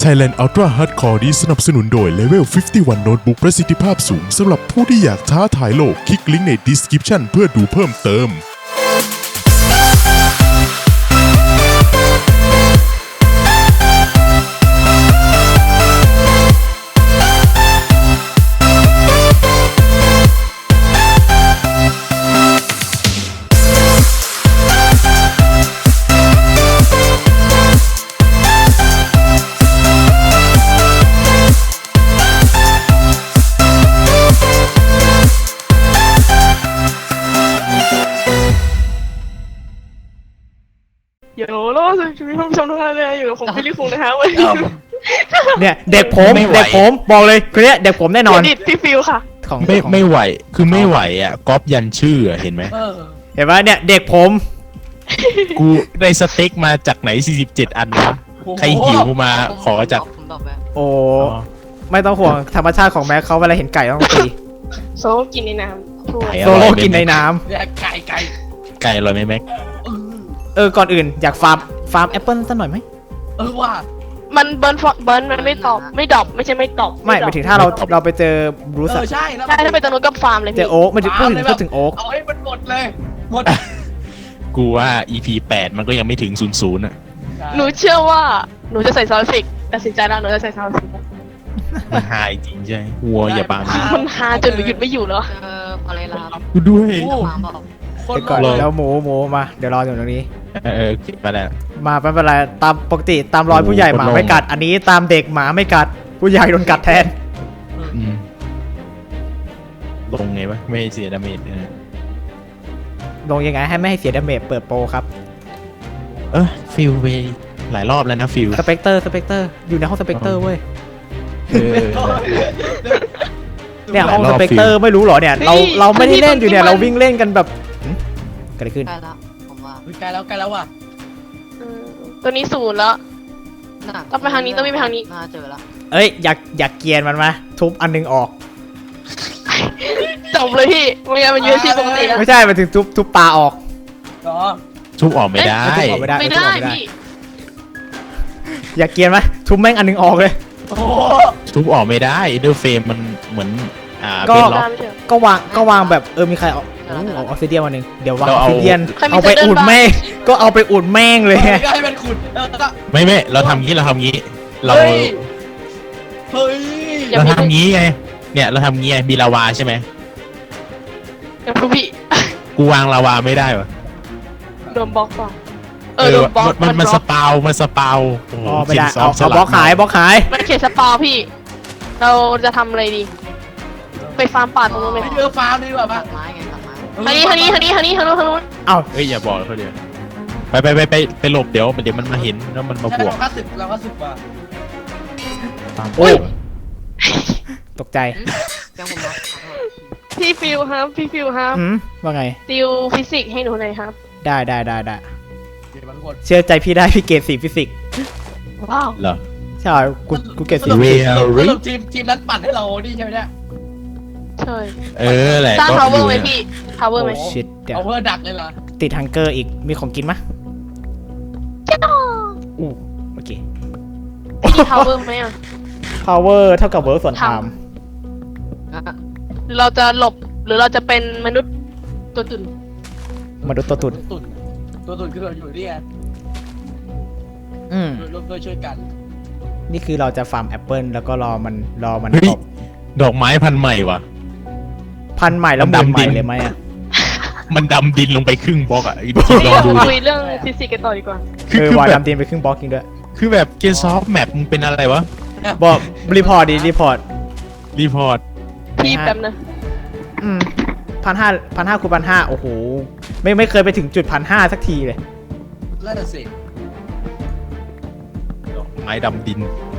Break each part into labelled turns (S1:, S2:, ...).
S1: Thailand Ultra Hardcore นี้สนับสนุนโดย Level 51 Notebook ประสิทธิภาพสูงสำหรับผู้ที่อยากท้าทายโลก คลิกลิงก์ใน Description เพื่อดูเพิ่มเติม
S2: เดี๋ยวรอสิมีผู้ชมทุกท่านเลยอยู่กับผมพี่ลิคุงนะคะวันนี้
S3: เนี่ยเด็กผมบอกเลยคนเนี้ยเด็กผมแน่นอน
S2: ดิดพี่ฟิวค่ะ
S3: ของ
S4: ไม่ไหวคือไม่ไหวอ่ะก๊อปยันชื่ออะเห็นไหม
S3: เห็นไหมเนี่ยเด็กผม
S4: กูได้สเต็กมาจากไหน47อันวะใครหิวมาขอจาก
S3: โอ้ไม่ต้องห่วงธรรมชาติของแม็กเขาเวลาเห็นไก่ต้องตี
S2: โซกินในน้ำถ้วย
S3: โซโล่กินในน้
S4: ไก่อร่อยไหมแม็ก
S3: ำก่อนอื่นอยากฟาร์มแอปเปิลสักหน่อยไหม
S5: ว่า
S2: มันเบิร์นมันไม่ตอบไม่ดรอปไม่ใช่ไม่ตอบ
S3: ไม่หมายถึงถ้าเราไปเจอบรูซ
S5: ใช่แล้ว
S2: ใช่ถ้าไปตรงนู้นก็ฟาร์มเลย
S3: เจ
S2: พี่
S3: อโอ๊กไม่ถึงพูดถึงโอ๊ก
S5: เอาให้มันหมดเลยหมด
S4: กูว่า EP 8มันก็ยังไม่ถึง00อ่ะ
S2: หนูเชื่อว่าหนูจะใส่ซาวด์เอฟเฟกต์ตัดสินใจแล้วหนูจะใส่ซาวด์เอฟเฟกต์
S4: มันหายจริงใช่วัวอย่าบัง
S2: มันฮาจนหนูหยุดไม่อยู่แล้ว
S6: อะไรล่ะครับ
S4: กูด้วย
S6: มาบอก
S5: คน
S3: เดี๋ยวก่อนแล้วหมูมาเดี๋ยวรออยู่ตรงนี้
S4: เก็บมาแล้ว
S3: มาไม่เป็นไรตามปกติตามรอยผู้ใหญ่หมาไม่กัด อันนี้ตามเด็กหมาไม่กัดผู้ใหญ่โดนกัดแทน
S4: อืมลงไงวะไม่ให้เสียดาเมจ
S3: ลงยังไงให้ไม่ให้เสียดาเมจเปิดโปรครับ
S4: ฟิลไปหลายรอบแล้วนะฟิล
S3: สเปกเตอร์อยู่ในห้องสเปกเตอร์เว้ยเนี่ยห้องสเปกเตอร์ไม่รู้เหรอเนี่ยเราไม่ได้เล่นอยู่เนี่ยเราวิ่งเล่นกันแบบเกิดอะไรขึ้น
S6: ใกล้แล้วผมว่า
S5: ใกล้แล้วว่ะ
S2: ตัวนี้ศูนย์แล้ว
S6: น่า
S2: ต้องไปทางนี้ต้องไปทางนี้
S6: น่าเจอแล้ว
S3: เอ้ยอยากเกียนมันมาทุบอันนึงออก
S2: จบเลยพี่ไม่งั้นมันยืดที่ปกติแล้ว
S3: ไม่ใช่มาถึงทุบปลาออก
S5: อ๋อ
S4: ทุบออกไม่ได้
S3: ทุบออกไม่ได้
S2: ไม่
S3: ทุบ
S2: ได้
S3: ออกไม่ได้
S2: พี่
S3: อยากเกียนไหมทุบแม่งอันนึงออกเลย
S5: โอ้โห
S4: ทุบออกไม่ได้เดอร์เฟรมมันเหมือน
S3: ก็
S4: เป็นล็อก
S2: ไม่ใช่
S3: ก็วางแบบมีใครเอาออกซิเดียนมาหนึ่งเดี๋ยววางอ
S4: เรา
S3: อก
S4: เอา
S3: ซิเดียน
S2: ใครมี
S3: เอาไป
S2: เดิน
S3: อุด
S2: บ้าง
S3: แม่งก็เอาไปอุดแม่งเลย
S5: ก็ให้มันขุดก็
S4: ไม่เราทำงี้เรา
S5: เฮ้ย
S2: อย่า
S4: เรา
S2: มี
S4: ทำงี้ไงเนี่ยเราทำงี้ไงมีลาวาใช่ไหม
S2: อย่าพูดพี่
S4: กูวางลาวาไม่ได้วะ
S2: โดนบล็อกป่ะโดนบล็อก
S4: มันสปาวโอ้โห
S3: อ๋อไม่ได้
S4: Kings
S3: เอา
S4: of
S3: บล็อกขาย
S4: Slug
S3: บล็อกขาย
S2: มันเขตสปาพี่ เราจะทำอะไรดี ไปฟาร์มป่าตรงนู้นไหม
S5: ไม่เจอฟาร์มดีกว่า
S6: ตั
S5: ป่ะ
S6: ดไม้ไงตัดไม้
S2: ทางนู้น
S3: เอา
S4: เฮ้ยอย่าบอกเขาเดี๋ยวไปหลบเดี๋ยวมันมาเห็นแล้วมันมาบวก
S5: เราก็สึกว่ะ
S3: โอ้ยตกใจ
S6: เรื่องผมนะ
S2: พี่ฟิวครับ
S3: ว่าไง
S2: ติวฟิสิกส์ให้หนูหน่อยครับ
S3: ได้
S5: เดี๋ยวมันหมด
S3: เชื่อใจพี่ได้พี่เกรด4ฟิสิกส์
S2: ว้าว
S4: เหรอ
S3: ใช่กูเกรด
S4: เว
S3: 4
S4: ล
S5: สรุปทีมนั้นปั่นให้เรานี่ใช่ไหมเนี่ย
S2: ใช่
S4: แหละ
S2: สร้าง
S4: ก็
S2: ทาวเวอ
S4: ยู่
S2: ร์ไหม
S4: นี่ย
S2: พี่ทาวเวอร์ไหม
S3: ชิดเดี๋ยว
S5: เอาเพื่อดักเลยเหรอ
S3: ติดฮังเกอร์อีกมีของกินมะอู้โอเค
S2: พี่ทาวเวอร์ไหมอ่ะ
S3: power เท่ากับ work ส่วน time
S2: หรือเราจะหลบหรือเราจะเป็นมนุษย์ตัวตุ่น
S3: มนุษย์ตัวตุ่น
S5: ตัวตุ่นคือเราอยู่นี่ไง ร่วมด้วยช่วยกัน
S3: นี่คือเราจะฟาร์มแอปเปิลแล้วก็รอมัน
S4: เฮ้ย
S3: ตก
S4: ดอกไม้พันธุ์ใหม่ว่ะ
S3: พันธุ์ใหม่แล้ว
S4: มัน
S3: หมื่น
S4: ดำ
S3: ให
S4: ดิ
S3: ม่
S4: น
S3: เลยไหมอ่ะ
S4: มันดำดินลงไปครึ่งบล็อกอ่ะ
S2: นี่
S4: ลองดู
S2: เรา
S4: ดิ
S2: คุยเรื่องฟิสิกส์กันต่อดีกว่า
S4: คือ
S3: ว่า
S4: แบบ
S3: ดำดินไปครึ่งบล็อกจริงด้วย
S4: คือแบบเกมซอฟแมปมึงเป็นอะไรวะ
S3: บอกรีพอร์ตรีพอร์ต
S4: รีพอร์ต
S2: พี่แป๊บนะ
S3: 1,500คูณ1,500โอ้โหไม่เคยไปถึงจุด1,500สักทีเลย
S5: นั่นน่ะสิ
S4: ดอกไม้ดำดิน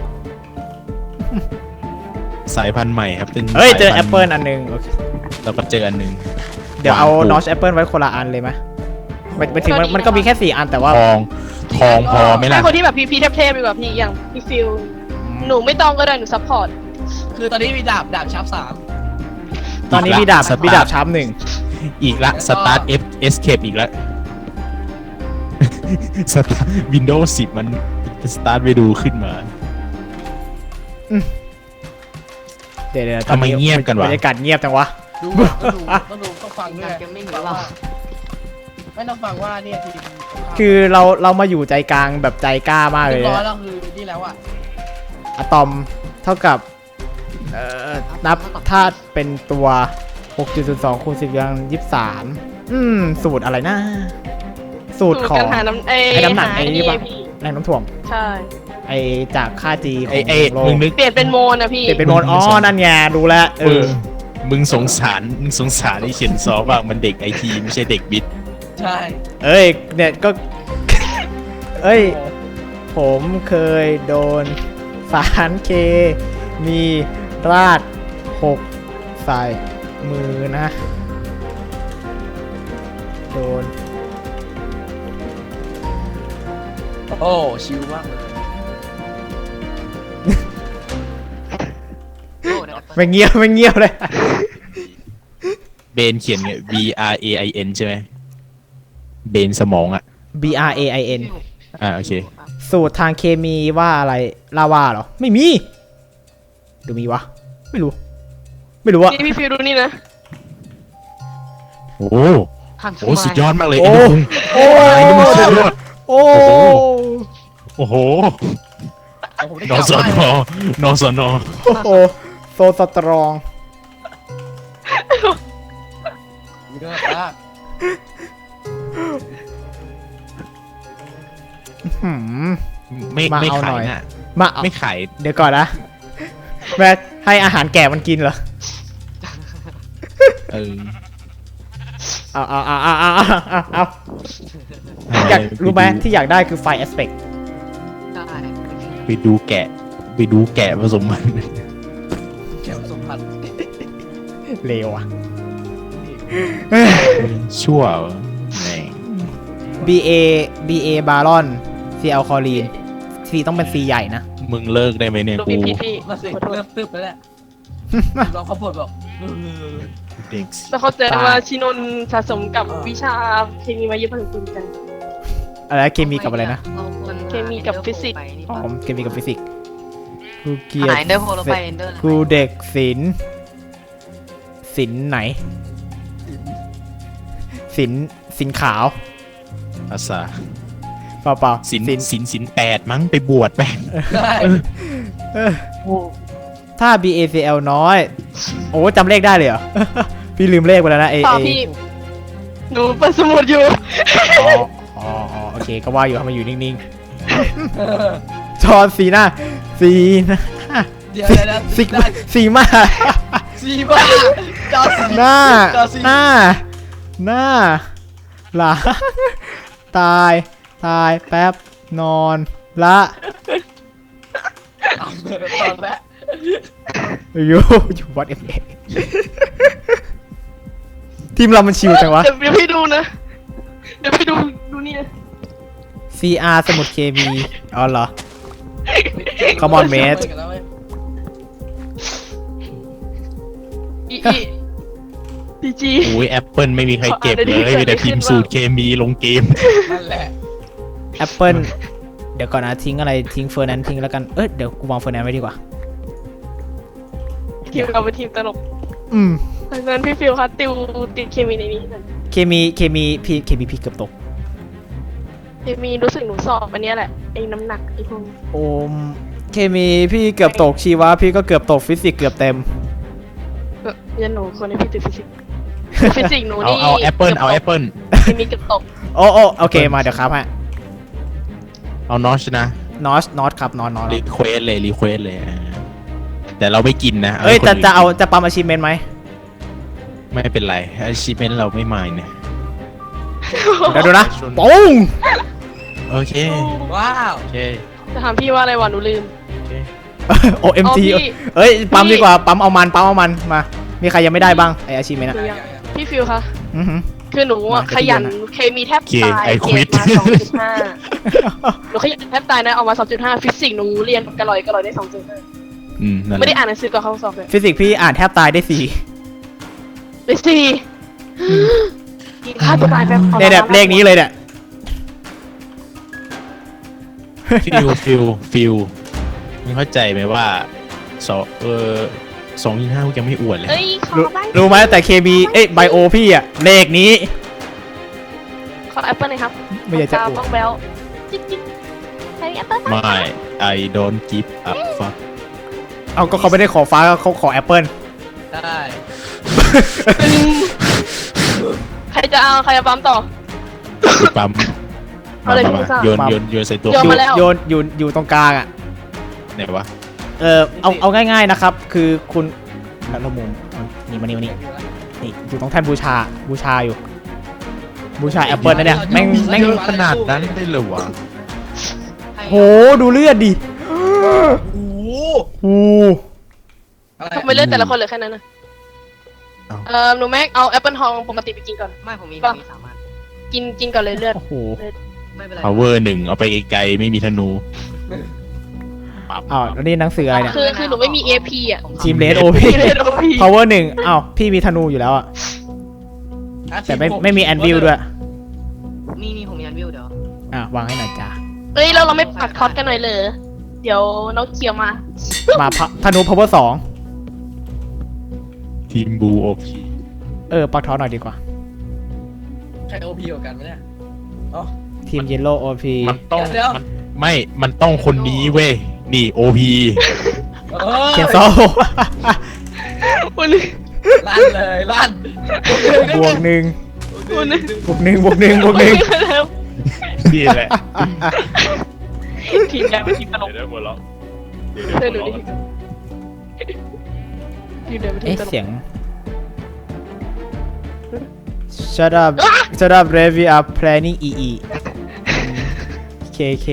S4: สายพันธุ์ใหม่ครับเป็น
S3: เฮ้ยเจอ
S4: สา
S3: แอย ป
S4: พันธุ์
S3: เปิลอันหนึงโอเค
S4: เราก็เจออันหนึ่ง
S3: เดี๋ยวเอา
S4: วางปลูก
S3: นอชแอปเปิลไว้คนละอันเลยไหมไปถึงมันก็มีแค่4อันแต่ว่า
S4: ทองพอไหม
S2: ให้
S4: ล่ะ
S2: คนที่แบบพี่เทพๆดีกว่าพี่อย่างพี่ฟิลหนูไม่ต้องก็ได้หนูซัพพอร์ต
S5: คือตอนนี้มีดาบชาร์ป3
S3: ตอนนี้มีดาบชาร์ปหนึ่ง
S4: อีกละสตาร์ทเอสเคปอีกละสตาร์วินโดว์10มันสตาร์ทไปดูขึ้นมา
S3: เดี๋ยว
S4: ทำไมเงียบกันวะ
S3: บรรยากาศเงียบจังวะ
S5: ดูต้องฟังด้วย
S6: เกมมิ่งหรือเปล่า
S5: ไม่ต้องฟังว่าเนี่ยทีม
S3: คือเรามาอยู่ใจกลางแบบใจกล้ามากเล
S5: เรีย
S3: ย
S5: บร้อย
S3: นะ
S5: แล้วคือนี่แล้วอ่ะ
S3: อะตอมเท่ากับนับถ้าเป็นตัว 6.02 คูณ 10 กำลัง 23สูตรอะไรนะ สูตรของ
S2: การหาน้ำไอ้
S3: น้ำหนัก
S2: หา
S3: ไอ้
S2: ไอ้
S3: นี่
S2: นี่
S3: ปะ
S2: พี่
S3: แรงน้ำถ่วง
S2: ใช่
S3: ไอจากค่า G ข
S4: ไอ้
S3: อง
S4: ไอ้
S3: โล
S4: มึ
S3: ก
S4: งนึก
S2: เปลี่ยนเป็นโมนนะพี่
S3: เปลี่ยนเป็นโหมดอ๋อ นั่นไงรู้แล้วเออ
S4: มึงสงสารไอ้เขียนซอบ้างมันเด็กไอทีไม่ใช่เด็กบิด
S5: ใช่
S3: เอ้ยเนี่ยก็ เอ้ย ผมเคยโดนสารเคมีราด6ใส่มือนะ โดน
S5: โอ้ชิลมากเลย
S6: โอ้เดี๋ยว
S3: ไม่เงียบไม่เงียบเลย
S4: เบนเขียนไง B R A I N ใช่ไหมเบนสมองอ่ะ
S3: B R A I N
S4: โอเค
S3: สูตรทางเคมีว่าอะไรลาวาเหรอ ไม่มีดูมีวะ ไม่รู้ ไม่รู้อะ
S2: นี่พี่ฟิวดูนี่นะ
S4: โอ้
S6: หัน
S4: โหสุดยอดมากเลย
S3: โอ้
S4: ไอ้
S3: โอ้
S4: ไอ้นี่มันสุดยอด
S3: โอ้
S4: โอ้โห
S5: ผมได้
S4: น
S5: กลับ
S4: ส
S5: บ้าน
S4: นนสน
S3: โอ้โหโซสตรอง
S5: เยอะมาก
S3: หืม
S4: ไม่
S3: มา
S4: ไม่
S3: เอาหน่
S4: ขา
S3: อย ย
S4: นะ
S3: มาเอา
S4: ไม่ขาย
S3: เดี๋ยวก่อนนะแม่ให้อาหารแก่มันกินเหรอ
S4: เออ
S3: เอาอยากรู้ไหมที่อยากได้คือไฟแอสเปก
S6: ได้
S4: ไปดูแกะผสมมัน
S5: แก้วสมพันธ์
S3: เลวอ่ะ
S4: ชั่วแม่ง
S3: BA บารอน C แอลคอลีน C ต้องเป็น C ใหญ่นะ
S4: มึงเลิกได้ไหมเนี่ย
S2: ดู
S4: กู
S2: พี่พี่
S5: มาสิเริ่มตึ๊บแล้วแหละลองเขาปวดบอก
S4: เด็ก
S2: แล้วเขาเจอ
S3: ตาย
S2: ว่าชินนท์สะสมกับวิชาเคมีมาเยอะพอสมควรกัน
S3: อะไรเคมีกับอะไรนะ
S2: เคมีกับฟิสิกส์
S3: อ๋อเคมีกับฟิสิกส์กูเกลียด
S6: หายเดอร์โฮลไปเอนเดอร์
S3: กูเด็กศิลป์ไหนศิลป์ขาว
S4: ภาษา
S3: เปล่า
S4: สิน8มั้งไปบวชไป
S5: ได้
S3: เออถ้า BACL น้อย โอ้จำเลขได้เลยเหรอ พี่ลืมเลขไปแล้วนะ
S2: ต่อพี่ หนูเปิดสมุดอยู่
S3: อ๋อโอเคก็ว่าอยู่ทำไมอยู่นิ่งๆจอสีหน้า
S5: เดี๋ยวนะ
S3: สีมา
S5: ซีบ้าจอซี
S3: หน้า
S5: จอซี
S3: หน้าหลังตายแป๊บนอนละ
S5: ตอนแรก
S3: อยู่วัดเอฟเอทีมเรามันชิวจังวะ
S2: เดี๋ยวพี่ดูนะ เดี๋ยวพี่ดูนี่นะ
S3: CR สมุดเคมีอ๋อเหรอ Come on mate
S2: อีพีจี
S4: โอ้ยแอปเปิลไม่มีใครเก็บเลยมีแต่พิมพ์สูตรเคมีลงเกม
S5: นั่นแหละ
S3: แอปเปิลเดี๋ยวก่อนนะทิ้งอะไรทิ้งเฟอร์นันทิ้งแล้วกันเดี๋ยวกูวางเฟอร์นันไว้ดีกว่า
S2: ทีมเราเป็นทีมตลก
S3: อืม
S2: ดังนั้นพี่ฟิวคะติดเคมีในนี้หน่อย
S3: เคมีพี่เกือบตก
S2: เคมีรู้สึกหนูสอบอันเนี้ยแหละไอ้น้ำหนักไอ้พวกนี้
S3: โอมเคมีพี่เกือบตกชีวะพี่ก็เกือบตกฟิสิกส์เกือบเต็ม
S2: ยันหนูคนในพี่ติดฟิสิกส์ฟิสิกส์หนู
S4: เอา
S2: นี่
S4: เอาแอปเปิลเอาแอปเปิล
S2: เคมีเกือบตก
S3: โอเคมาเดี๋ยวครับฮะ
S4: เอานอชนะ
S3: นอตครับนอต
S4: รีเควสเลยแต่เราไม่กินนะ
S3: เอ้ย
S4: ให้คนอื่น
S3: จะปั๊มอาชีพเมนไหม
S4: ไม่เป็นไรอาชีพเมนเราไม่มายเนี่ย
S3: เดี๋ยวดูนะปุ้ง
S4: โอเค
S5: ว้าว
S4: โอเค
S2: จะถามพี่ว่าอะไรวะหนูลืม
S4: โอเค
S3: OMG
S2: เอาพี่
S3: เอ้ยปั๊มดีกว่าปั๊มเอามันมามีใครยังไม่ได้บ้างไออาชีพเมนอะ
S2: หนูยังพี่ฟิวคะ
S3: อือหือ
S2: คือหนูอะ
S3: มา
S2: ขยัน
S3: เดี๋ยว
S2: เคมีแทบ
S4: โอเค
S2: ตาย
S4: I
S2: เกร
S4: quit
S2: ดมา 2.5 หนูขยันแทบตายนะเอามา 2.5 ฟิสิกส์หนูเรียนกระลอยได้ 2.5
S4: นั่นแห
S2: ไม่ได้
S4: ละ
S2: อ่านหนังสือก่อนเข้าสอบเลย
S3: ฟิสิกส์พี่อ่านแทบตายได้
S2: ได้ 4ฆ่าตัวตายแบบ
S3: 4เนี่ยเลขนี้เลยเนี่ย
S4: ฟิลมึงเข้าใจไหมว่า 2.5กูยังไม่อวดเลย
S2: เอ้ยขอ
S3: รู้
S2: บ้าง
S3: รู้ไหมแต่เคมีไบโอพี่อะเลขนี้
S2: ขอแอปเปิลหน่อยครับ
S3: ไม่อยากจะอวด
S2: บ้องแบลจิ๊บจิ๊บใครมีแอปเปิลไหม
S4: ไม่ I don't give a fuck
S3: เอาก็เขาไม่ได้ขอฟ้าเขาขอแอปเปิล
S5: ได้
S2: ใครจะเอาใครจะปั๊มต่อ
S4: กูปั๊ม
S2: เอาเลย
S4: มา
S2: พี่ซ่า
S4: โยนใส่ตัว
S2: โยนมาแล้ว
S3: โยนอยู่ตรงกลางอะ
S4: ไหนวะ
S3: เอาง่ายๆนะครับ คือคุณแล้วละมุมนี่มานี่นี่อยู่ตรงแท่นบูชาอยู่บูชาแอปเปิลนะเนี่ยแม่ง
S4: ขนาดนั้นได้เลยวะ
S3: โหดูเลือดดิ
S5: โอ้โห
S3: โอ้
S5: อะไร
S2: ทำไมเลือดแต่ละคนเหลือแค่นั้นนะหนูแม็กเอาแอปเปิลทองปกติไปกินก่อน
S6: ไม่ผมมีสามอัน
S2: กินก่อนเลยเลือด
S3: โห
S6: ไม่เป็นไร
S4: power 1เอาไปไกลๆไม่มีธนูปั๊บ
S3: อ้าวแล้วนี่หนังสืออะไรเนี่ย
S2: คือหนูไม่มี AP อ่ะ
S3: ทีมเลดโอพี
S2: พี่เลยโดนพี่
S3: power 1อ้าวพี่มีธนูอยู่แล้วอะแต่ไม่มีแอนวิลด้วย
S6: นี่ผมมีอันวิวเดี๋ยว
S3: วางให้หน่อยจ้า
S2: เอ้ยเราไม่ปักท็อตกันหน่อยเลยเดี๋ยวน้องเคียวมา
S3: มาธนู power
S4: ทีมบูโอพี
S3: 2ปักทอหน่อยดีกว่า
S5: ใครโอพีกว่ากันไหมเนี่ยอ๋อ
S3: ทีม yellow OP
S4: มันต้อง
S5: เดี๋ยว
S4: มันต้องคนนี้เว้ยนี่โอพี
S3: เคนโซ
S2: วันนี้
S5: ลั่นเลยลั่น
S3: บวกหนึ่ง
S2: วันนี้
S3: บวกหนึ่งบวกหนึ่งบวกหนึ่ง
S4: นี่แหละ
S2: ทีมแดงเป็นทีมตลก
S4: เดี๋ยวหัวเราะ
S2: เธอดูดิทีมแดงเป็นทีมตลก
S3: เสียง Shut up Red we are planning EE KK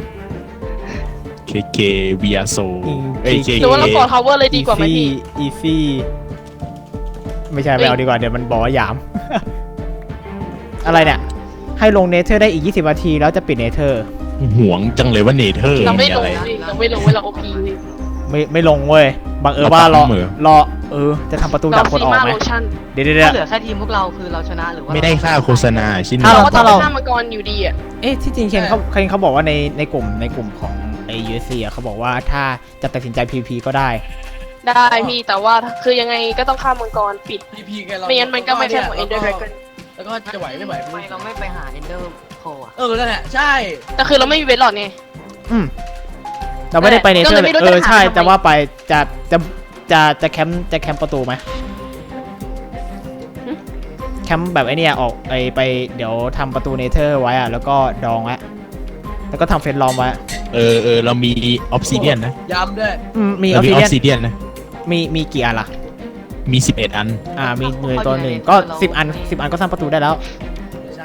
S4: เควีอาโซเอ้ยเค
S2: หรือว่าเราขอทาวเวอร์เลยดีกว่าไหมพี่
S3: Easy ไม่ใช่ไม่เอาดีกว่าเดี๋ยวมันบอกว่าหยาม อะไรเนี่ย ให้ลงเนเธอร์ได้อีก20นาทีแล้วจะปิดเนเธอร์
S4: ห่วงจังเลยว่าเนเธอร์
S2: เราไม่
S4: มี
S2: ล
S4: อะ
S2: ง
S4: ไร
S2: ดิเราไม่ลงเวลา OP
S3: ไม่ลงเว้ยบังเอิญว่ารอ
S4: เราปั๊มเหรอ
S3: รอจะทำประตู
S2: เรา
S3: ดับคน
S2: ซี
S3: ออก
S2: มา
S3: ไหม
S2: โลชั่น
S3: เดี๋ยว
S6: ถ้าเหลือแค่ทีมพวกเราคือเราชนะหรือว่า
S4: ไม่ได้ค่าโฆษณาชิ้น
S3: ถ้า
S2: เรา
S3: เรา
S2: ก็ต้องไปฆ่ามังกรอยู่ดีอ่ะ
S3: ที่จริงเคนเขาบอกว่าในกลุ่มของไอ้ USC อ่ะเขาบอกว่าถ้าจะตัดสินใจ PVP ก็ได้
S2: ได้พี่แต่ว่าคือยังไงก็ต้องฆ่ามังกรปิด
S5: พีพีกันเรา
S2: ไม่งั้นมันก็ไม่ใช่ของ Ender Dragon
S5: แล้วก็จะไหวไม่ไหว
S6: ทำไมเราไม่ไปหาเอนเดอร์โคอ่ะ
S5: นั่นแหละใช่
S2: แต่คือเราไม่มีเวทหลอดไง
S3: เราไม่ได้ไปเนเธอร์
S2: ก็เลยไม่รู้จะ
S3: ใช่
S2: ถามทำไม
S3: จะว่าไปจะแคมป์ประตูไหมแคมป์แบบไอ้เนี่ยออกไปเดี๋ยวทำประตูเนเธอร์ไว้อะแล้วก็ดองไว้แล้วก็ทำเฟรนด์ลอมไว้
S4: เรามีออฟซิเดียนนะ
S5: ย้ำด้วย
S3: มีอ
S4: เรา
S3: อฟ
S4: มี
S3: ซิ
S4: ออ
S3: เดียน
S4: ฟซิเดียนนะ
S3: มีกี่อันล่ะ
S4: มี11อัน
S3: มีหน่วยตัวหนึ่งก็10 อันก็สร้างประตูได้แล้ว
S5: ใช่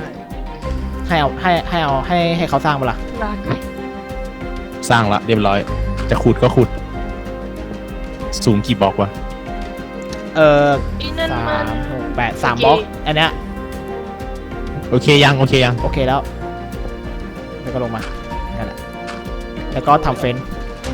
S3: ให้เขาสร้างมาล่ะ
S2: ลาก
S4: สร้างละเรียบร้อย จะขุดก็ขุด สูงกี่บล็อกวะ
S2: อีนั่นมัน
S3: 3 6 8 3
S2: โอเค
S3: บล็อกอันเนี้ย
S4: โอเคยัง
S3: โอเคแล้วแล้วก็ลงมานั่นแหละแล้วก็ทำเฟรนด์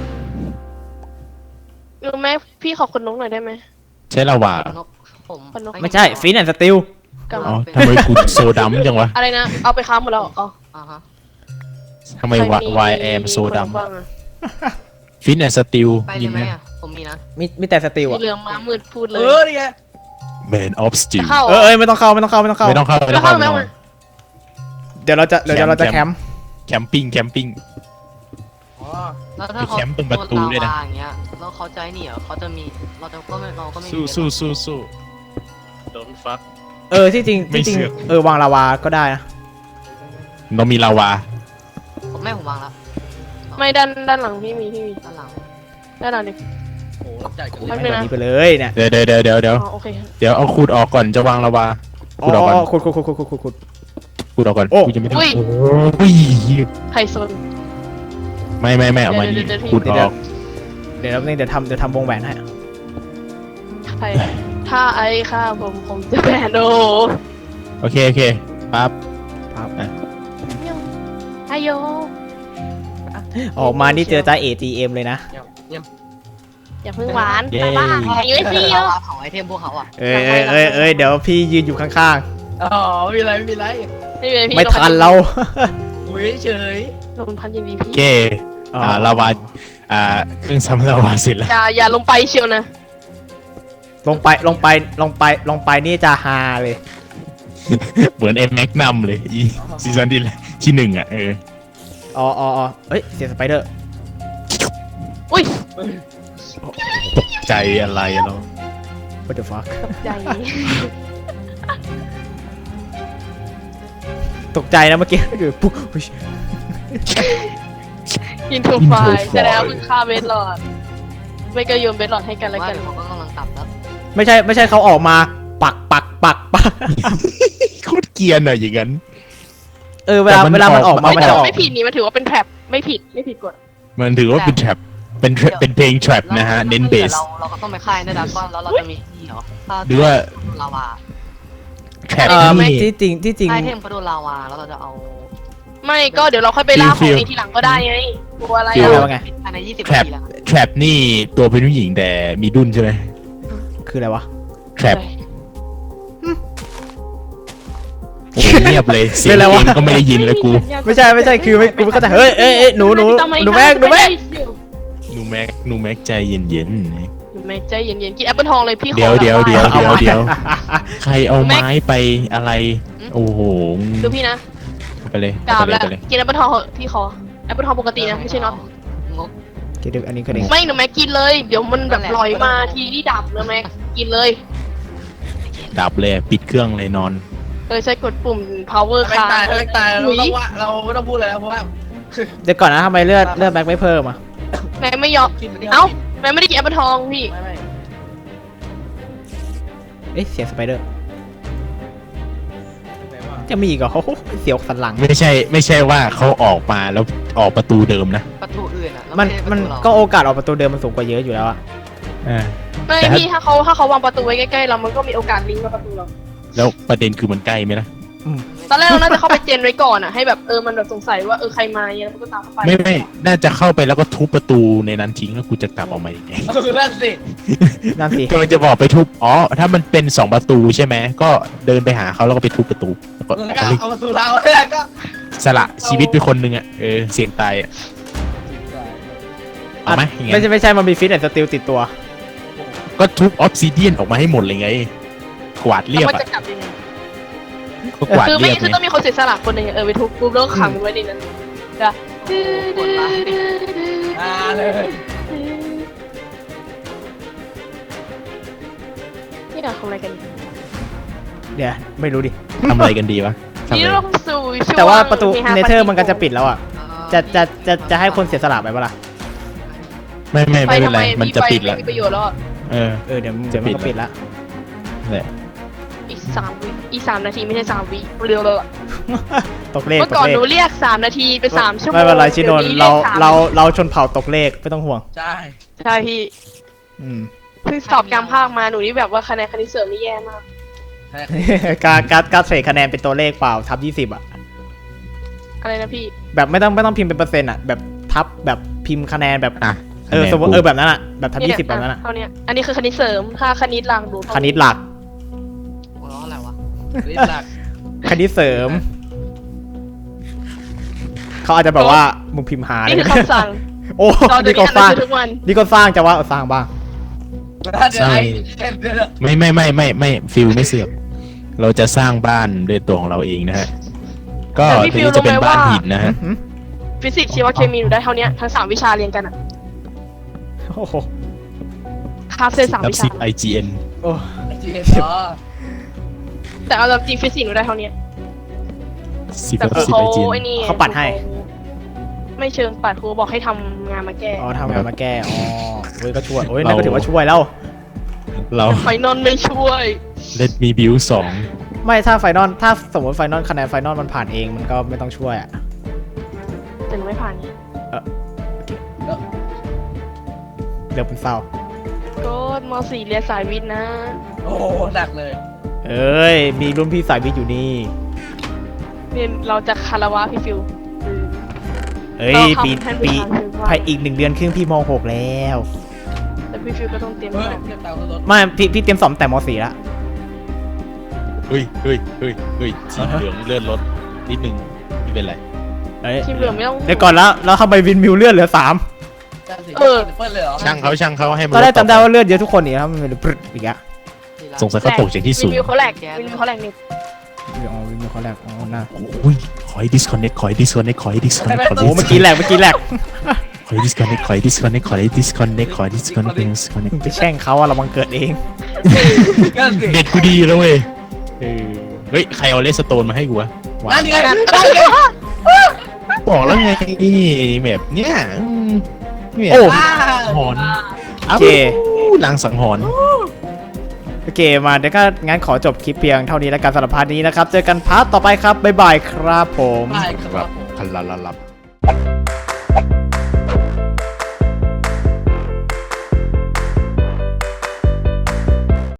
S2: รู้ไหมพี่ขอคนนกหน่อยได้ไหม
S4: ใช้ลาวา
S6: นกผม
S3: ไม่ใช่ฟินแอนด์สติล
S2: กับ
S4: อ๋อทำไมกูโซดัมจังวะ
S2: อะไรนะเอาไปค้าหมดแล้วอ๋อ
S6: อ่าฮะ
S4: ทำไมวายแอมโซดัม
S2: คนบ้างอะ
S4: ฟินแอนด์สติล
S6: ไปเล
S4: ยิ
S6: ย
S4: น
S6: ไหม
S4: ไหม
S6: อ่ะผมมีนะ
S3: มีแต่สติล
S2: สี
S3: อ่ะ
S2: เหลืองม้ามืดพูดเล
S5: นี่ไง
S4: แมนออฟสติล
S2: จะเข้า
S3: ไม่ต้องเข้า
S4: ไม่ต้องเข้าไม่ต้องเข้า
S2: แล้วเข้าไหม
S4: ไม่ต้องเข้า
S3: เดี๋ยวเราจะแคมป์
S4: แคมปิ้ง
S5: อ๋อ
S6: แล้วถ้าเขา
S4: ไปแคมป์ตรงประตูด้วยนะ
S6: โดลาวาอย่างเงี้ยแล้วเขาใจหนีเหรอเขาจะมีเราก็ไม่มี
S4: สู้โดนฟัก
S3: ที่จริง
S4: ไม่เชื่อ
S3: วางลาวาก็ได้นะ
S4: เรามีลาวา
S6: ผมวางแล้ว
S2: ไม่ด้านหลังพี่มี
S6: ด้านหลัง
S2: ด้านหลังดิ
S5: โอ้ใหญ่กว่า
S2: ไม่
S3: ให้
S2: เป็น
S3: แบ
S2: ไร
S3: บนี้ไปเลยเนี่ย
S4: เดี๋ยว
S2: อ๋อโอเค
S4: เดี๋ยวเอาขูดออกก่อนจะวางลาวาขูดออกก่อน
S3: ขุด
S4: ขูดออกก่อน
S3: โอ้
S4: กูจะไม่ทำ
S2: อุ้ย
S4: โอ้ย
S2: ไข่ซน
S4: ไม่เอามานี่
S2: เดี๋ยว
S4: ขูดออก
S3: เดี๋ยวทำวงแหวนให้
S2: ไข่ถ้าไอ้ข้าผมจะแบนโด
S4: โอเคปั๊บ
S2: ไอโย
S3: ออกมานี่เจอจ้า AGM เลยนะ
S2: อย่าเพิ่งหวาน
S4: เย้
S2: ไปบ้าอยู่ไอซีโอ
S6: เผาไอเทมพวกเขาอ่ะ
S3: เอ้ยเดี๋ยวพี่ยืนอยู่ข้าง
S5: อ๋อไม่มีไร
S2: ไม่เป็นไรพี่
S3: ๆไม่ทันเรา
S5: อุ้ยเฉย
S2: ลงพันยินดี
S4: โอ
S2: พี่
S4: เคลาวาเครื่องซ้ำลาวาเสร็จแล้ว
S2: อย่าลงไปเชียวนะ
S3: ลงไปนี่จะฮาเลย
S4: เหมือนเอ็มแม็กนัมเลยอีซีซั่นที่หนึ่งอ่ะ
S3: อ๋อเฮ้ยเสียงสไปเดอร์
S2: อุ้ย
S4: ตกใจอะไรเรา
S3: what the fuck
S2: ตกใจ
S3: ตกใจนะเมื่อกี้อยู่ปุ๊บอุ๊ย
S2: อินทูไฟแสดงว่ามึงฆ่าเบสหลอดไม่ก็โยนเบสหลอดให้กันแล้ว
S6: ว่า
S2: กัน
S6: เดี๋ยวเขาก็กำลังกลับแล้ว
S3: ไม่ใช่เขาออกมาปัก
S4: โคตรเกรียนอ่ะอย่างนั้น
S3: เวลามันออกมา
S2: ไม่
S3: มัน
S2: แต่
S3: จะออก
S2: ไม่ผิดนี่มันถือว่าเป็นแทร็บไม่ผิดกฎ
S4: มันถือว่าเป็นแทร็บเป็นเพลงแทร็บนะฮะเน้นเบส
S6: เราก็ต้องไปค่ายในดักก้อนแล้วเราจะมีที่เหรอถ้า
S4: หรือว่า
S6: ลาวา
S4: แทร็บ
S3: ไม่
S4: นี่
S3: ที่จริง
S6: ค่ายเทมเขาโดนลาวาแล้วเราจะเอา
S2: ไม่ก็เดี๋ยวเราค่อยไปล่าข
S4: ฟิ
S2: อง
S4: ล
S2: ในทีหลังก็ได้ไงกลัวอะไร
S4: ฟิล
S2: อ่ะ
S3: ว่าไง
S6: ภายใน20
S4: แทร็
S6: นา
S4: บ
S6: ทีแล้ว
S4: แทร็บนี่ตัวเป็นผู้หญิงแต่มีดุนใช่ไหม
S3: คืออะไรวะ
S4: แทร็บโอ้เงียบเลยเสียง
S3: เป็นไร
S4: เอ
S3: วะ
S4: งก็ไม่ได้ยินเลยกู
S3: ไม่ใช่คือกูไม่เข้าใจเฮ้ยหนูแม่ง
S4: หนูแม็กใจเย็น
S2: หนูแม็กใจเย็นๆกินแอปเปิลทองเลยพี่ขอ
S4: เดี๋ยว
S2: แบบา
S4: ๆใครเอาไม้ไปอะไร โอ้โห
S2: ดูพี่นะ
S4: ไปเลย
S2: กราบ
S4: ไป
S2: แล้ว
S4: เลย
S2: กินแอปเปิลทองเหอะพี่ขอแอปเปิลทองปกตินะไม่ใช่เนาะ
S6: งก
S3: คิดดูอันนี้ก็เด้ง
S2: ไม่หนูแม็กกินเลยเดี๋ยวมันแบบลอยมาทีนี่ดับนะแม็กกินเลย
S4: ดับเลยปิดเครื่องเลยนอน
S2: ใช้กดปุ่ม power
S5: ไม่
S2: ค้าง
S5: ตายไม่ตายเราต้องว่าเราไม่ต้องพูดเลยนะเพราะว่า
S3: เดี๋ยวก่อนนะทำไมเลือดแบ็คไม่เพิ่มอ่ะ
S2: แม็กไม่ยอม
S5: กินไป
S2: เอ้าแม็กไม่ได้กินแอปเปิลทองพี่
S5: ไม่
S3: เสียงสไปเดอร์จะมีอีกเหรอเสียวสันหลัง
S4: ไม่ใช่ว่าเขาออกมาแล้วออกประตูเดิมนะ
S6: ประตูอื่นอ่ะแล้ว
S3: มัน
S6: ไใช่ประ
S3: มัน
S6: ตูเรา
S3: ก็โอกาสออกประตูเดิมมันสูงกว่าเยอะอยู่แล้วอะ
S2: ไม่
S4: แต่ถ้า
S2: พี่ถ้าเขาวางประตูไว้ใกล้ๆเรามันก็มีโอกาสลิงก์กับประตูเรา
S4: แล้วประเด็นคือมันใกล้ไหมล่ะ
S2: ตอนแรกเราน่าจะเข้าไปเจนไว้ก่อนอ่ะให้แบบมันแบบสงสัยว่าใครมาเนี่ยแล้วมันก็ตามเข้าไป
S4: ไม่น่าจะเข้าไปแล้วก็ทุบประตูในนั้นทิ้งแล้วกูจะกลับออกมายังไง
S5: นั่นสิ
S3: นั่นสิ
S4: กำลังจะบอกไปทุบถ้ามันเป็น2ประตูใช่ไหมก็เดินไปหาเขาแล้วก็ไปทุบประตูแล้วก็
S5: แล้วก็เอามาสู่เราแล้วก็
S4: สละชีวิตไปคนหนึ่งอ่ะเสี่ยงตายอะเอาไหมอย่างเงี้ย
S3: ไม่ใช่มันมีฟิตแอนด์สติลติดตัว
S4: ก็ทุบออฟซิเดียนออกมาให้หมดเลยไง กวาดเรียบ
S2: แล้วมัน
S4: อ่ะ
S2: จะกลับยังไง
S4: ก็กวาด
S2: คือ
S4: เรียบ
S2: คือ
S4: ไง
S2: ต้องมีคนเสียสละคนหนึ่งไปทุบปุ๊บแล้วก็ขังมันไว้ในนั้นจ้ะ
S5: เลย
S2: นี่เราทำอะไรกัน
S3: เดี๋ยวไม่รู้ดิ
S4: ทำอะไรกันดีวะทำ
S2: นี่
S4: อะไร
S2: เราสู่ช่วง
S3: แต่ว่าประตู
S2: ฮา
S3: เนเธอร์มันก็จะปิดแล้วอ่ะ
S6: เอ่อ
S3: จะให้คนเสียสละไปปะล่ะ
S4: ไม่
S2: ไป
S4: เป็น
S2: ทำ
S4: ไร
S2: ไม
S4: มันจะปิดแล้ว
S2: ไม่มีประโยชน์แล้วอะ
S3: เดี๋ยวมันก็ปิดละ
S4: แหละ
S2: อีก3 วิอีก3 นาทีไม่ใช่3 วิเร็วเลยอะ
S3: ตกเลข
S2: เมื่อก่อนหนูเรียก3 นาทีเป็น3 ชั่วโมง
S3: ไม่เป็นไรชิโนน
S2: ดี๋ยวรียก3
S3: เราชนเผ่าตกเลขไม่ต้องห่วง
S5: ใช่
S2: ใช่พี่
S3: อืม
S2: เพิ่งสอบกลางภาคมาหนูนี่แบบว่าคะแนนคณิตเสริมนี่แย่มาก
S3: การเทรดคะแนนเป็นตัวเลขเปล่าทับ20อ่ะ
S2: อะไรนะพี่
S3: แบบไม่ต้องพิมพ์เป็นเปอร์เซ็นต์อ่ะแบบทับแบบพิมพ์คะแนนแบบ
S4: อ่ะ
S3: สมมติแบบนั้นอ่ะแบบทับ
S2: เนี่ย
S3: 20แบบนั้นอ่ะ
S2: เท่าเนี้ยอันนี้คือคณิตเสริมถ้าคณิตหลังดูเท่า
S3: คณิตหลัก
S6: หัวเราะอะไรวะ
S5: รีบหลัก
S3: คณิตเสริม เขาอาจจะแบบว่ามึงพิมพ์หา
S2: นี่คือคำสั่ง
S3: โอ้
S2: เราดู
S3: นี่ก็
S2: นี่
S3: สร้าง
S2: ทุกวัน
S3: นี่ก็สร้างจะว่าสร้างบ้าง
S5: เดี๋ยวไอ้เดี๋ยว
S4: ไม่ฟิลไม่เสือกเราจะสร้างบ้านด้วยตัวของเราเองนะฮะก็
S2: แต่พี่
S4: ที
S2: ฟิล
S4: นี้จะเป็น
S2: รู้ไหม
S4: บ้าน
S2: ว่า
S4: หินนะฮะ
S2: ฟิสิกส์ชีวเคมีหนูได้เท่าเนี้ยทั้ง3 วิชาเรียนกันอะ
S3: โอ้โห
S2: คาบเส้น3
S4: นับ
S2: วิชา
S4: 10 IGN
S3: โอ้
S5: จีเอ็นอ๋อ
S2: แต่เอาจริงฟิสิกส์หนูได้เท่าเนี้ย
S4: 10
S2: แต่
S4: กับ
S2: ครู
S4: 10
S2: เขา
S4: IGN
S2: ไอ้นี่
S3: เขาปัดให้
S2: ไม่เชิงปัดครูบอกให้ทำงานมาแก้
S3: อ๋อทำงานมาแก้อ๋อเว้ยก็ช่วยโอ้ยนั่นก็ถือว่าช่วยแล้ว
S4: เรา
S2: ไฟนอลไม่ช่วย
S4: Let me build
S3: ไม่ถ้าไฟนอลถ้าสมมติไฟนอลคะแนนไฟนอลมันผ่านเองมันก็ไม่ต้องช่วยอ่ะ
S2: แต่หนูไม่ผ่านนี่
S3: เดี๋ยวเป็นเศร้า
S2: ก็ม .4 เรียนสายวิทย์นะ
S5: โอ้หนักเลย
S3: เอ้ยมีรุ่นพี่สายวิทย์อยู่นี่
S2: เนี่ยเราจะคารวะพี่ฟิว
S3: เอ้ย
S2: เราทำ
S3: ปี
S2: แทนผู้ชายคือว่า
S3: ภายอีก1 เดือนครึ่งพี่ม .6 แล้ว
S2: แต่พี่ฟิวก็ต้องเตรียม
S5: เฮ้ย
S2: ตัว
S5: เทียบเตารถ
S3: ไม่พี่เตรียมสอบแต่ม .4 แล้ว
S4: เฮ้ยสีเหลืองเลื่อนรถนิดนึงไม่เป็นไร
S3: เอ้ย
S2: ทีมเหลืองไม่ต้อง
S3: เดี๋ยวก่อนแล้วทำไมวินมิวเลื่อนเหลือ3
S2: เออ
S5: เปิ้ลเลยเหรอ
S4: ช่างเขาให้มัน
S3: ตอนแรกจำได้ว่าเลือดเยอะทุกคนนี่ครับมันเป็นปรึ๊ดอีกอะ
S4: สงสัยเขาตกจากที่สูง
S2: วิวเขาแหลกวิวเขาแหลกนี่
S3: อ๋อวินเขาแรกอ๋อหน้า
S4: โอ้ยขอให้ disconnect ขอให้ disconnect ขอให้ disconnect ขอ
S3: โอ้เมื่อกี้แหลก
S4: ขอให้ disconnect ขอให้ disconnect ขอให้ disconnect ขอให้ disconnect
S3: ไปแช่งเขาอะเราบังเกิดเอง
S5: ก็สิ
S4: เด็ดกูดีแล้วเว้ยเฮ้ยใครเอาเลสโตนมาให้กูวะ
S5: นั่นไง
S4: บอกแล้วไงแบบเนี้ยเนี่ย
S3: โอ้
S4: หอน
S3: โอเค
S4: ลางสังหรณ์
S3: โอเคมาเดี๋ยวก็งั้นขอจบคลิปเพียงเท่านี้แล้วกันสำหรับพาร์ทนี้นะครับเจอกันพาร์ทต่อไปครับบ๊ายบายครับผม
S5: ได้ครับผม
S4: คันละละลับ